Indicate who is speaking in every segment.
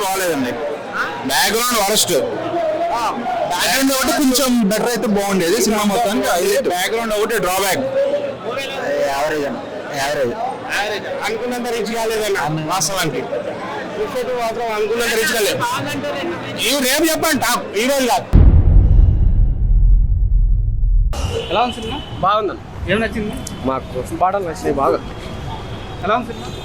Speaker 1: బాగలేదండి. Background worst. Background ఒకటి కొంచెం better అయితే బాగుండేది సినిమా మొత్తానికి. బ్యాక్గ్రౌండ్ ఒకటి డ్రాబ్యాక్. యావరేజ్ అనుకున్నంత రీచ్ కాలేదన్న వాస్తవానికి. మాత్రం అనుకున్నంత రీచ్ కాలేదు. ఇవి రేపు చెప్పండి టాప్ ఈ రోజు కాదు.
Speaker 2: ఎలా ఉంది సినిమా?
Speaker 3: బాగుందన్న.
Speaker 2: ఏం నచ్చింది?
Speaker 3: మాకు పాటలు నచ్చినాయి బాగా.
Speaker 2: ఎలా ఉంది సినిమా?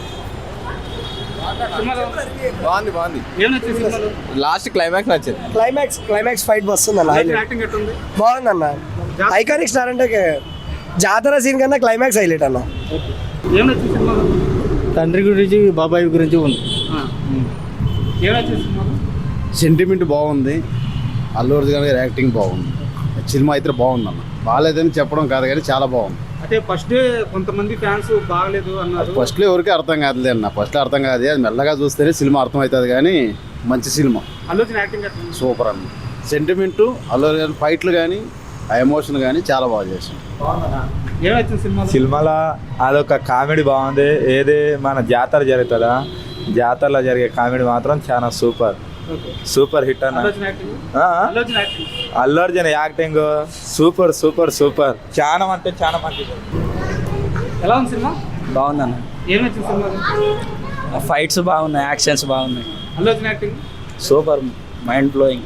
Speaker 3: బాగుంది.
Speaker 2: ఏం నచ్చింది సినిమాలో?
Speaker 3: లాస్ట్ క్లైమాక్స్ నచ్చింది.
Speaker 4: క్లైమాక్స్ ఫైట్ వస్తుంది అన్న.
Speaker 2: యాక్టింగ్ ఎట్టుంది?
Speaker 4: బాగుందన్న. ఐకానిక్ స్టార్ అంటే జాతర సీన్ కన్నా క్లైమాక్స్ హైలైట్ అన్న.
Speaker 2: ఏం నచ్చింది సినిమాలో?
Speaker 5: తండ్రి గురించి బాబాయ్ గురించి ఉంది.
Speaker 2: ఏం నచ్చింది సినిమాలో?
Speaker 6: సెంటిమెంట్ బాగుంది. అల్లు అర్జున్ గారి యాక్టింగ్ బాగుంది. సినిమా అయితే బాగుందన్న. బాగాలేదని చెప్పడం కాదు కానీ చాలా బాగుంది.
Speaker 2: అంటే ఫస్ట్ డే కొంతమంది ఫ్యాన్స్ బాగలేదు అన్నారు.
Speaker 6: ఫస్ట్లో ఎవరికి అర్థం కాదులే అన్న. ఫస్ట్లో అర్థం కాదు, అది మెల్లగా చూస్తేనే సినిమా అర్థం అవుతుంది. కానీ మంచి సినిమా,
Speaker 2: అల్లు అర్జున్ యాక్టింగ్ ఎట్టుంది?
Speaker 6: సూపర్ అన్న. సెంటిమెంటు, అల్లు అర్జున్ ఫైట్లు కానీ ఆ ఎమోషన్ కానీ చాలా బాగా చేసింది.
Speaker 2: ఏం నచ్చింది సినిమాలో?
Speaker 7: సినిమాలో అదొక కామెడీ బాగుంది. ఏది మన జాతర జరుగుతుందా, జాతరలో జరిగే కామెడీ మాత్రం చాలా సూపర్ హిట్ అన్న. అల్లు అర్జున్ యాక్టింగ్ సూపర్ చాలా అంటే చాలా మంచిది.
Speaker 2: ఎలా ఉంది సినిమా?
Speaker 5: బాగుందన్న.
Speaker 2: ఏం నచ్చింది సినిమాలో?
Speaker 5: ఫైట్స్ బాగున్నాయి, యాక్షన్స్ బాగున్నాయి.
Speaker 2: Allu Arjun acting
Speaker 5: super, mind blowing.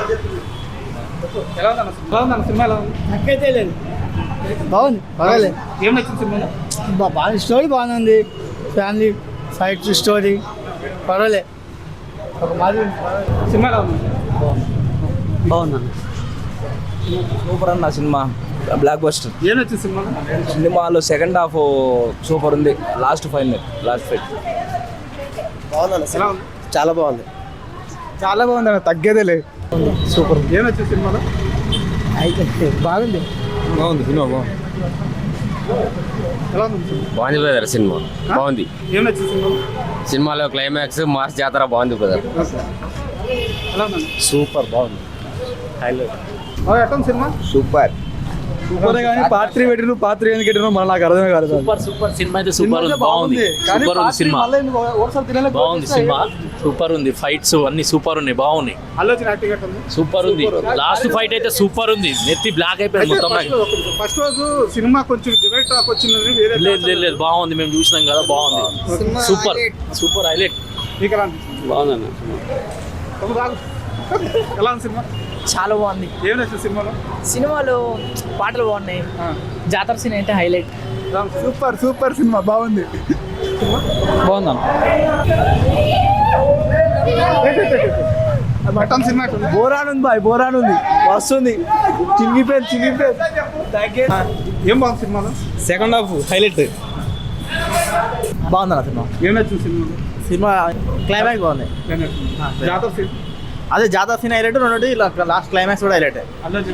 Speaker 2: ఎలా ఉందన్న సినిమా? ఎలా ఉంది?
Speaker 4: నాకైతే లేదు. బాగుంది, పర్వాలేదు.
Speaker 2: ఏం నచ్చింది సినిమాలో?
Speaker 4: బాగా స్టోరీ బాగానే ఉంది. ఫ్యామిలీ ఫైట్ స్టోరీ పర్వాలే. ఒక మాది
Speaker 2: సినిమా ఎలా ఉంది?
Speaker 5: బాగుందన్న. సూపర్ అన్న సినిమా, బ్లాక్ బస్టర్.
Speaker 2: ఏం నచ్చింది సినిమాలో?
Speaker 5: సినిమాలో సెకండ్ హాఫ్ సూపర్ ఉంది. లాస్ట్ ఫైట్
Speaker 4: బాగుందన్న.
Speaker 2: ఎలా ఉంది?
Speaker 4: చాలా బాగుంది.
Speaker 7: అన్న, తగ్గేదే లేదు.
Speaker 2: సూపర్. ఏం నచ్చింది సినిమాలో?
Speaker 4: అయితే బాగుంది.
Speaker 7: సినిమా బాగుంది.
Speaker 2: ఎలా ఉంది సినిమా?
Speaker 8: బాగుంది బ్రదర్. సినిమా బాగుంది.
Speaker 2: ఏం నచ్చింది సినిమాలో?
Speaker 8: సినిమాలో క్లైమాక్స్ మాస్ జాతర బాగుంది బ్రదర్.
Speaker 2: ఎలా ఉంది?
Speaker 6: సూపర్ బాగుంది.
Speaker 2: ఎట్లా ఉంది సినిమా?
Speaker 7: సూపర్
Speaker 5: కానీ పాత్ర పెట్టిన పాత్ర ఎందుకు పెట్టిన మన నాకు అర్థమే కాదు.
Speaker 9: సూపర్ సినిమా అయితే సూపర్ ఉంది. బాగుంది సినిమా. బాగుంది సినిమా, సూపర్ ఉంది. ఫైట్స్ అన్ని సూపర్ ఉన్నాయి, బాగున్నాయి.
Speaker 2: అల్లు అర్జున్ యాక్టింగ్ ఎట్లా ఉంది?
Speaker 9: సూపర్ ఉంది. లాస్ట్ ఫైట్ అయితే సూపర్ ఉంది. నెత్తి బ్లాక్ అయిపోయింది మొత్తం.
Speaker 2: ఫస్ట్ రోజు సినిమా కొంచెం డిబేట్ టాక్ వచ్చింది. వేరే
Speaker 9: లేదు బాగుంది. మేము చూసినాం కదా, బాగుంది. Super highlight.
Speaker 2: మీకు ఎలా అనిపించింది?
Speaker 9: బాగుందన్న.
Speaker 2: ఎలా ఉంది సినిమా?
Speaker 10: చాలా బాగుంది.
Speaker 2: ఏం నచ్చింది
Speaker 10: సినిమాలో పాటలు బాగున్నాయి. జాతర సీన్ అయితే హైలైట్.
Speaker 7: సూపర్ సినిమా బాగుంది.
Speaker 5: బాగుందన్న.
Speaker 2: సినిమా
Speaker 5: బోరానుంది బాయ్, బోరానుంది, వస్తుంది. చినిగిపోయింది.
Speaker 2: ఏం బాగుంది సినిమాలో?
Speaker 5: సెకండ్ హాఫ్ హైలైట్ బాగుందన్న. సినిమా
Speaker 2: ఏం నచ్చింది సినిమాలో?
Speaker 5: సినిమా క్లైమాక్స్ బాగుంది.
Speaker 2: జాతర సీన్
Speaker 5: అదే జాతర సీన్ హైలైట్, రెండు లాస్ట్ క్లైమాక్స్ కూడా హైలైట్.
Speaker 2: అల్లు అర్జున్